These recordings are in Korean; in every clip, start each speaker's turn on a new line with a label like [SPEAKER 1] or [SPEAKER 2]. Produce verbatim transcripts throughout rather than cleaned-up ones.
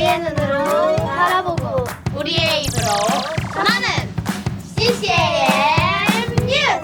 [SPEAKER 1] 우리의 눈으로 바라보고
[SPEAKER 2] 우리의 입으로 전하는 씨씨엠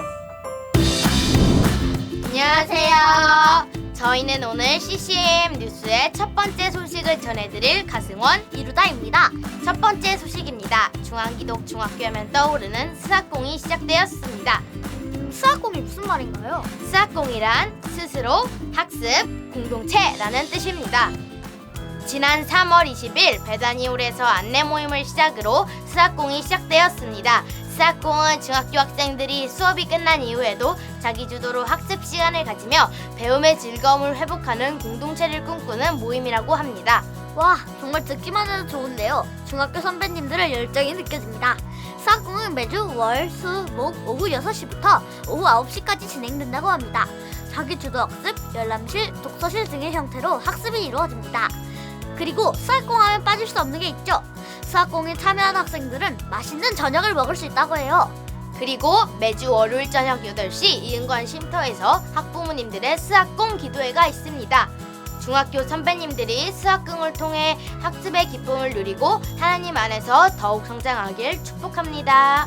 [SPEAKER 2] 뉴스! 안녕하세요. 저희는 오늘 씨씨엠 뉴스의 첫 번째 소식을 전해드릴 가승원, 이루다입니다. 첫 번째 소식입니다. 중앙기독 중학교 하면 떠오르는 스학공이 시작되었습니다.
[SPEAKER 1] 수학공이 무슨 말인가요?
[SPEAKER 2] 스학공이란 스스로, 학습, 공동체라는 뜻입니다. 지난 삼월 이십일 배단위홀에서 안내 모임을 시작으로 스학공이 시작되었습니다. 스학공은 중학교 학생들이 수업이 끝난 이후에도 자기 주도로 학습 시간을 가지며 배움의 즐거움을 회복하는 공동체를 꿈꾸는 모임이라고 합니다.
[SPEAKER 1] 와, 정말 듣기만 해도 좋은데요. 중학교 선배님들의 열정이 느껴집니다. 수학공은 매주 월, 수, 목 오후 여섯 시부터 오후 아홉 시까지 진행된다고 합니다. 자기 주도 학습, 열람실, 독서실 등의 형태로 학습이 이루어집니다. 그리고 수학공 하면 빠질 수 없는 게 있죠. 수학공에 참여한 학생들은 맛있는 저녁을 먹을 수 있다고 해요.
[SPEAKER 2] 그리고 매주 월요일 저녁 여덟 시 이은관 쉼터에서 학부모님들의 스학공 기도회가 있습니다. 중학교 선배님들이 스학공을 통해 학습의 기쁨을 누리고 하나님 안에서 더욱 성장하길 축복합니다.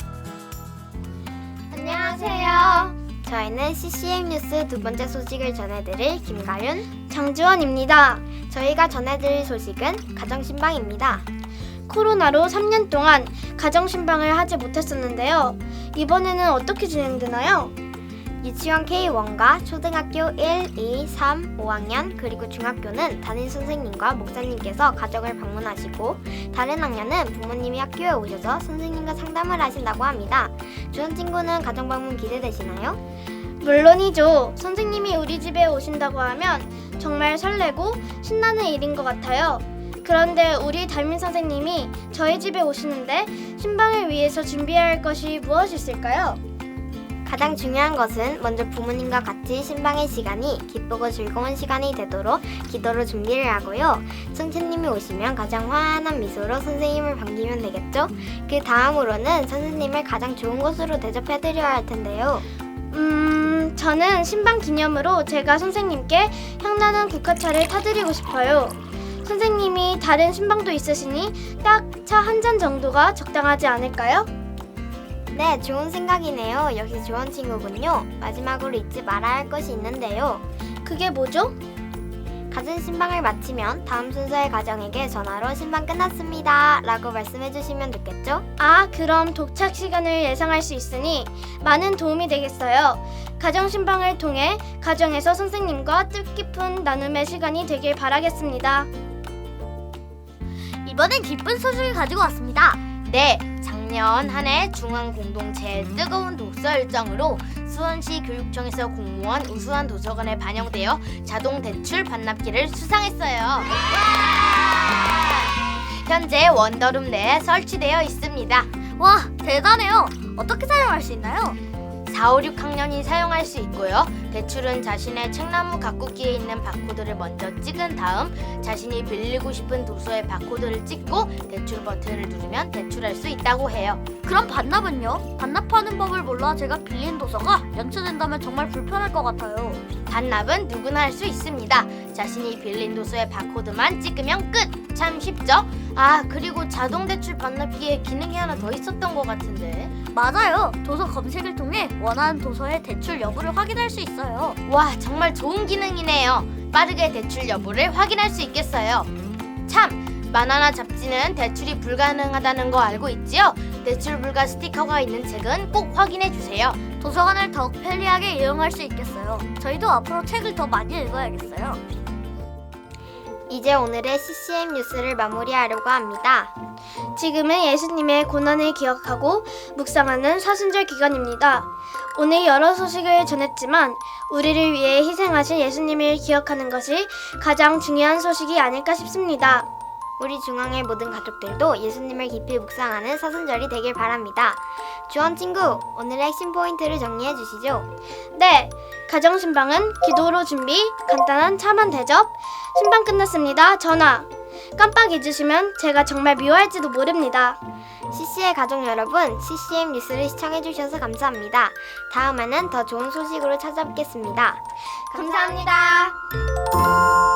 [SPEAKER 3] 안녕하세요. 저희는 씨씨엠 뉴스 두 번째 소식을 전해드릴 김가윤,
[SPEAKER 4] 장주원입니다.
[SPEAKER 3] 저희가 전해드릴 소식은 가정신방입니다.
[SPEAKER 4] 코로나로 삼 년 동안 가정신방을 하지 못했었는데요. 이번에는 어떻게 진행되나요?
[SPEAKER 3] 유치원 케이 원과 초등학교 일, 이, 삼, 오 학년 그리고 중학교는 담임 선생님과 목사님께서 가정을 방문하시고 다른 학년은 부모님이 학교에 오셔서 선생님과 상담을 하신다고 합니다. 주원 친구는 가정 방문 기대되시나요?
[SPEAKER 4] 물론이죠. 선생님이 우리 집에 오신다고 하면 정말 설레고 신나는 일인 것 같아요. 그런데 우리 담임 선생님이 저희 집에 오시는데 신방을 위해서 준비해야 할 것이 무엇이 있을까요?
[SPEAKER 3] 가장 중요한 것은 먼저 부모님과 같이 신방의 시간이 기쁘고 즐거운 시간이 되도록 기도로 준비를 하고요. 선생님이 오시면 가장 환한 미소로 선생님을 반기면 되겠죠? 그 다음으로는 선생님을 가장 좋은 곳으로 대접해드려야 할 텐데요.
[SPEAKER 4] 음... 저는 신방 기념으로 제가 선생님께 향나는 국화차를 타드리고 싶어요. 선생님이 다른 신방도 있으시니 딱 차 한 잔 정도가 적당하지 않을까요?
[SPEAKER 3] 네, 좋은 생각이네요. 역시 좋은 친구군요. 마지막으로 잊지 말아야 할 것이 있는데요.
[SPEAKER 4] 그게 뭐죠?
[SPEAKER 3] 가정 신방을 마치면 다음 순서의 가정에게 전화로 신방 끝났습니다 라고 말씀해 주시면 좋겠죠?
[SPEAKER 4] 아, 그럼 도착 시간을 예상할 수 있으니 많은 도움이 되겠어요. 가정 신방을 통해 가정에서 선생님과 뜻깊은 나눔의 시간이 되길 바라겠습니다.
[SPEAKER 1] 이번엔 기쁜 소식을 가지고 왔습니다.
[SPEAKER 2] 네, 작년 한 해 중앙공동체의 뜨거운 독서 일정으로 수원시 교육청에서 공모한 우수한 도서관에 반영되어 자동 대출 반납기를 수상했어요. 현재 원더룸 내에 설치되어 있습니다.
[SPEAKER 1] 와, 대단해요. 어떻게 사용할 수 있나요?
[SPEAKER 2] 사, 오, 육 학년이 사용할 수 있고요. 대출은 자신의 책나무 가꾸기에 있는 바코드를 먼저 찍은 다음 자신이 빌리고 싶은 도서의 바코드를 찍고 대출 버튼을 누르면 대출할 수 있다고 해요.
[SPEAKER 1] 그럼 반납은요? 반납하는 법을 몰라 제가 빌린 도서가 연체된다면 정말 불편할 것 같아요.
[SPEAKER 2] 반납은 누구나 할 수 있습니다. 자신이 빌린 도서의 바코드만 찍으면 끝! 참 쉽죠? 아, 그리고 자동 대출 반납기에 기능이 하나 더 있었던 것 같은데.
[SPEAKER 1] 맞아요. 도서 검색을 통해 원하는 도서의 대출 여부를 확인할 수 있어요.
[SPEAKER 2] 와, 정말 좋은 기능이네요. 빠르게 대출 여부를 확인할 수 있겠어요. 참, 만화나 잡지는 대출이 불가능하다는 거 알고 있지요? 대출 불가 스티커가 있는 책은 꼭 확인해 주세요.
[SPEAKER 1] 도서관을 더욱 편리하게 이용할 수 있겠어요. 저희도 앞으로 책을 더 많이 읽어야겠어요.
[SPEAKER 3] 이제 오늘의 씨씨엠 뉴스를 마무리하려고 합니다.
[SPEAKER 4] 지금은 예수님의 고난을 기억하고 묵상하는 사순절 기간입니다. 오늘 여러 소식을 전했지만 우리를 위해 희생하신 예수님을 기억하는 것이 가장 중요한 소식이 아닐까 싶습니다.
[SPEAKER 3] 우리 중앙의 모든 가족들도 예수님을 깊이 묵상하는 사순절이 되길 바랍니다. 주원 친구, 오늘의 핵심 포인트를 정리해 주시죠.
[SPEAKER 4] 네, 가정 신방은 기도로 준비, 간단한 차만 대접, 신방 끝났습니다, 전화. 깜빡 잊으시면 제가 정말 미워할지도 모릅니다.
[SPEAKER 3] 씨씨의 가족 여러분, 씨씨엠 뉴스를 시청해 주셔서 감사합니다. 다음에는 더 좋은 소식으로 찾아뵙겠습니다.
[SPEAKER 4] 감사합니다.